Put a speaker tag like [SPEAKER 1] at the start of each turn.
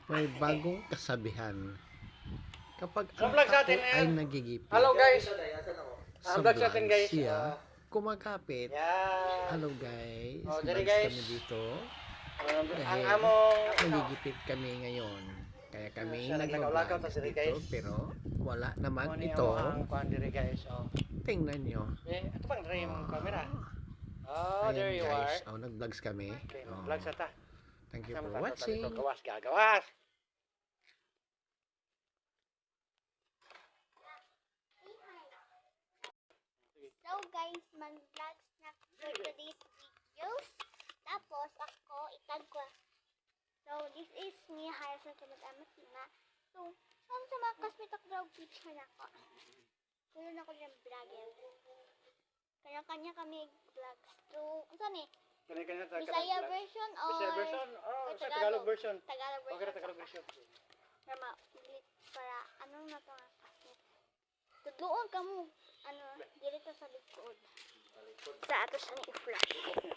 [SPEAKER 1] May bagong kasabihan. Kapag
[SPEAKER 2] Sa
[SPEAKER 1] ang
[SPEAKER 2] vlog
[SPEAKER 1] tao
[SPEAKER 2] natin
[SPEAKER 1] ay
[SPEAKER 2] ngayon.
[SPEAKER 1] nagigipit
[SPEAKER 2] Hello guys.
[SPEAKER 1] sa
[SPEAKER 2] vlog
[SPEAKER 1] vlog,
[SPEAKER 2] natin guys.
[SPEAKER 1] siya kumakapit.
[SPEAKER 2] Yan.
[SPEAKER 1] Hello guys,
[SPEAKER 2] Dali
[SPEAKER 1] vlogs
[SPEAKER 2] guys.
[SPEAKER 1] kami dito.
[SPEAKER 2] Ang
[SPEAKER 1] Dahil
[SPEAKER 2] among
[SPEAKER 1] nagigipit kami ngayon. Kaya kami
[SPEAKER 2] siya naglakaw-lakaw
[SPEAKER 1] nag-vlog
[SPEAKER 2] ta diri
[SPEAKER 1] dito,
[SPEAKER 2] guys.
[SPEAKER 1] pero wala naman
[SPEAKER 2] Ano
[SPEAKER 1] ito.
[SPEAKER 2] ang kuan diri guys.
[SPEAKER 1] Tingnan nyo.
[SPEAKER 2] Ito bang diri yung camera?
[SPEAKER 1] Ayan
[SPEAKER 2] There you
[SPEAKER 1] guys,
[SPEAKER 2] are.
[SPEAKER 1] nag-vlogs kami.
[SPEAKER 2] Okay, vlog sa ta.
[SPEAKER 1] Thank you for watching.
[SPEAKER 2] Gawas ka, gawas.
[SPEAKER 3] So guys, mag-vlogs na for today's videos. Tapos ako itag ko. So this is me, Harrison Kamag-amat na. So, ang sa mga kasmitak daw picture na ko. Kulo na ko ng vlogger. Kanya-kanya kami vlogs. So, saan eh?
[SPEAKER 2] Kanya-kanya ta.
[SPEAKER 3] Bisaya version or
[SPEAKER 2] Bisaya version?
[SPEAKER 3] or
[SPEAKER 2] Sa Tagalog version.
[SPEAKER 3] Tagalog version.
[SPEAKER 2] Okay, Tagalog version.
[SPEAKER 3] Para ma-ulit para anong na to nga kasmit. Tudloon ka mo. Ano, dito sa likod. Sa ato sa ni flash.